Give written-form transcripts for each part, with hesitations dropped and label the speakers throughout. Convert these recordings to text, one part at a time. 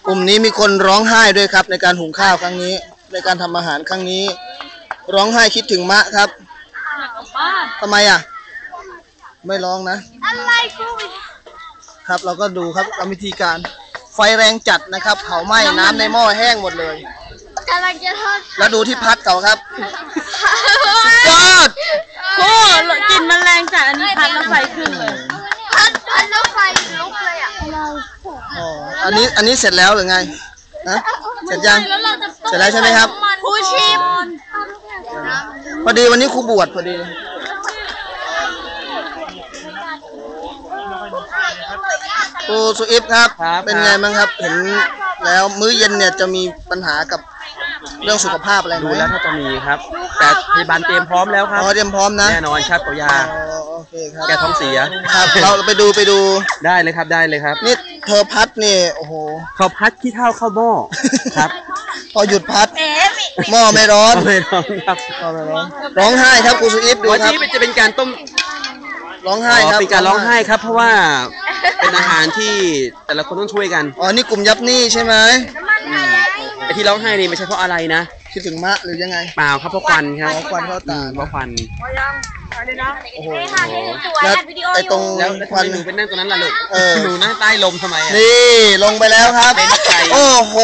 Speaker 1: กลุ่มนี้มีคนร้องไห้ด้วยครับในการหุงข้าวครั้งนี้ในการทำอาหารครั้งนี้ร้องไห้คิดถึงมะครับทำไมอ่ะไม่ร้องนะอะไรกูครับเราก็ดูครับวิธีการไฟแรงจัดนะครับเผาไหม้น้ำในหม้อแห้งหมดเลยกำลังจะทอดแล้วดูที่พัดเขาครับยอด
Speaker 2: โอ้กลิ่นมันแรงจัดอันนี้พัดแล้วไฟขึ้นเลย
Speaker 3: พัดแล้วไฟลุกเลยอ่ะ
Speaker 1: อ๋ออันนี้เสร็จแล้วหรือไงนะเสร็จยังเสร็จแล้วใช่ไหมครับ
Speaker 2: ครูชิม
Speaker 1: พอดีวันนี้ครูบวชพอดีครูสุอิฟครับเป็นไงบ้างครับเห็นแล้วมื้อเย็นเนี่ยจะมีปัญหากับเรื่องสุขภาพอะไรไหม
Speaker 4: ดูแล้วถ้าจะมีครับแต่พยาบาลเตรียมพร้อมแล้วครับ
Speaker 1: เตรียมพร้อมนะ
Speaker 4: แน่นอนครับตัวยา
Speaker 1: โอเคครับ
Speaker 4: แกท้องเสีย
Speaker 1: ครับเราไปดู
Speaker 4: ได้เลยครับได้เลยครับ
Speaker 1: นี่เธอพัดนี่โอ้โห
Speaker 4: เขาพัดขี้เถ้าเข้าหม้อครับ
Speaker 1: พอหยุดพัดหม้อไม่ร้อน
Speaker 4: ไม่ร้อนครับ
Speaker 1: ร้องไห้ครับครูสุอิฟดูครับ
Speaker 4: วันนี้จะเป็นการต้ม
Speaker 1: ร้องไห้ครับ
Speaker 4: เป็นการร้องไห้ครับเพราะว่าเป็นอาหารที่แต่ละคนต้องช่วยกัน
Speaker 1: อ๋อนี่กลุ่มยับนี่ใช่ไหม
Speaker 4: ไอ้ที่ร้องไห้นี่ไม่ใช่เพราะอะไรนะ
Speaker 1: คิดถึงมะหรือยังไง
Speaker 4: เปล่าครับเพราะควันครับ
Speaker 1: ควันเข้าตา
Speaker 4: เพราะควัน
Speaker 1: โอ้โหแล้วไอ้ตรงควัน
Speaker 4: หนูเป็นนั่งตรงนั้นล่ะลูกหนูนั่งใต้ลมทำไม
Speaker 1: นี่ลงไปแล้วครับโอ้โห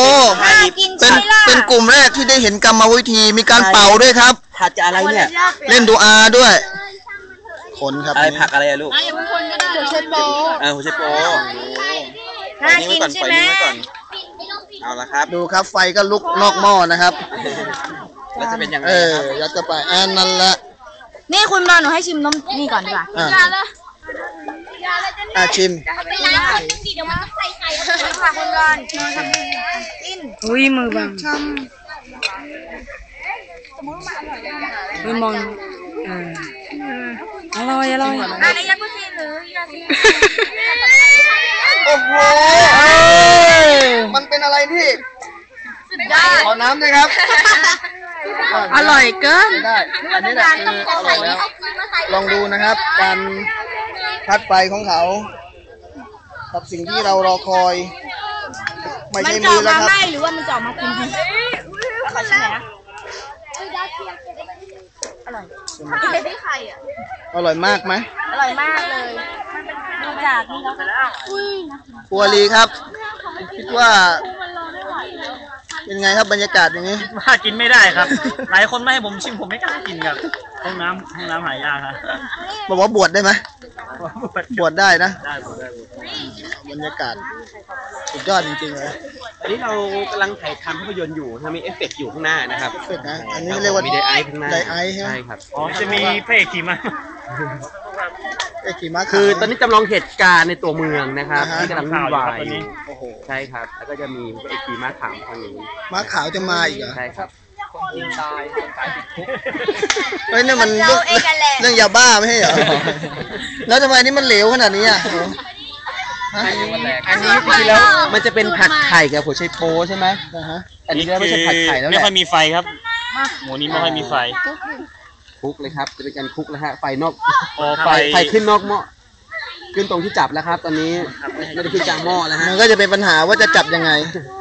Speaker 1: เป็นกลุ่มแรกที่ได้เห็นกรรมวิธีมีการเป่าด้วยครับ
Speaker 4: ผัดจะอะไรเนี่ย
Speaker 1: เล่นดูอาด้วยคนครับ
Speaker 4: อะไรผักอะไรอะลูก
Speaker 2: หัวไชโป
Speaker 4: หัวไชโปน่ากินใช่ไหมเอาละครับ
Speaker 1: ดูครับไฟก็ลุกนอกหม้อนะครับ
Speaker 4: แล้วจะเป็นยังไง
Speaker 1: ยัดเข้าไปนั่นแหละ
Speaker 2: นี่คุณมาหนูให้ชิมน้ำนี่ก่อนดีกว่า
Speaker 1: ชิม
Speaker 3: ไปล้างคนดีเดี๋ยวมันใส่ไข่ค่ะคุณก่อน
Speaker 2: อุ้ยมือบังไม่มองอร่อย
Speaker 3: อันนี้ยากุซีหรือยาซี
Speaker 1: โอ้โหมันเป็นอะไรที่ขอน้ำเลยครับ
Speaker 2: อร่อยเกิน
Speaker 1: ได้อันนี้แหละคืออร่อยแล้วลองดูนะครับการพัดไฟของเขากับสิ่งที่เรารอคอยไม่ใช่มือแล้วครับ
Speaker 2: หรือว่ามันจะออกมาคุณขอชิมหน่อยนะอร่อย
Speaker 3: ได้ไข่อ่ะ
Speaker 1: อร่อยมากไหม
Speaker 2: อร่อยมากเลยดูจากนี่แล้ว
Speaker 1: ครัวลีครับคิดว่าเป็นไงครับบรรยากาศอย่างนี้
Speaker 5: ว่ากินไม่ได้ครับหลายคนไม่ให้ผมชิมผมไม่กล้ากินครับห้องน้ำหายากครับ
Speaker 1: บอกว่าบวชได้ไหมบวชได้นะ
Speaker 5: ได้
Speaker 1: บรรยากาศสุดยอดจริงๆเลย
Speaker 4: อันนี้เรากำลังถ่ายทำภาพยนตร์อยู่มีเอฟเฟกต์อยู่ข้างหน้านะครับ
Speaker 1: เอฟเฟกต์นะอันนี้เรียกว่า
Speaker 4: มีไดไอข้างหน้า
Speaker 1: ไดไอใช่ไหม
Speaker 4: ใช่ครับ
Speaker 5: จะมีพระเอกขี่ม้า
Speaker 4: คือตอนนี้จำลองเหตุการณ์ในตัวเมืองนะครับที่กำลังวุ่นวายใช่ครับแล้วก็จะมีพระเอกขี่ม้าขาวทางนี้
Speaker 1: ม้าขาวจะมาอีกเหรอ
Speaker 4: ใช่ครับ
Speaker 1: คนยิงตายติดคุกเฮ้ยนี่มันเรื่องยาบ้าไม่ใช่เหรอแล้วทำไมนี่มันเหลวขนาดนี้อ่ะ
Speaker 4: อันนี้จริงๆแล้วมันจะเป็นผัดไข่กับหัวไชโป๊ใช่ไหมอันนี้ไม่ใช่ผัดไข่แล้ว
Speaker 5: ไม่ค่อยมีไฟครับหมูนี้ไม่ค่อยมีไฟ
Speaker 4: คลุกเลยครับจะเป็นการคลุกแล้วฮะไฟนอกไฟขึ้นนอกหม้อขึ้นตรงที่จับแล้วครับตอนนี้ไม่ได้ขึ้นกลางหม้อแล้วฮะ
Speaker 1: มันก็จะเป็นปัญหาว่าจะจับยังไง